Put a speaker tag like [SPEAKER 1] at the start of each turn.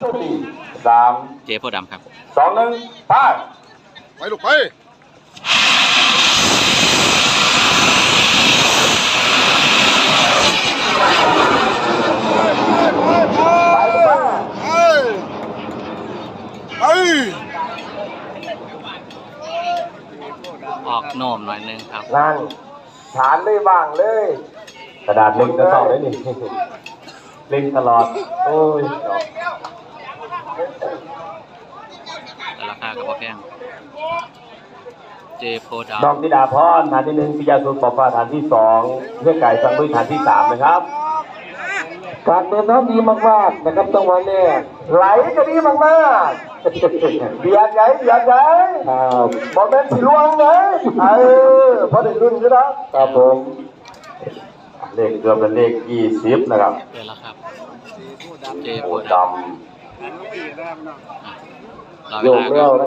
[SPEAKER 1] สาม
[SPEAKER 2] เจโพดำครับ
[SPEAKER 1] 2 1ไป
[SPEAKER 3] ไปลูกไป
[SPEAKER 2] ออกโน้มหน่อยนึงครับ
[SPEAKER 1] นั่งฐานไม่ว่างเลย กระดาษเล็งจะเข้าได้นี่เล็งตลอดโอ้ย
[SPEAKER 2] แต่ราคาก็บ่แพงเจโพด
[SPEAKER 1] น้องธิดาพรฐานที่1ปิยาสุขปอฟ้าฐานที่2เพื่อไก่สังลุยฐานที่3นะครับการเดินน้ำดีมากๆนะครับจังหวะนี้ไหลก็ดีมากๆเบียดใหญ่บอลแมนสีลวงนะพอได้รุ่นก็แล้วครับผมเลขเกือบเป็นเลข20นะครับ
[SPEAKER 2] ำเดี๋ยวแล้วครับเจโพ
[SPEAKER 1] โอ้
[SPEAKER 2] ด
[SPEAKER 1] ดำ
[SPEAKER 2] ำรอ
[SPEAKER 1] โย
[SPEAKER 2] เว
[SPEAKER 1] ก
[SPEAKER 2] ลา
[SPEAKER 1] เร็
[SPEAKER 2] ก็
[SPEAKER 1] ว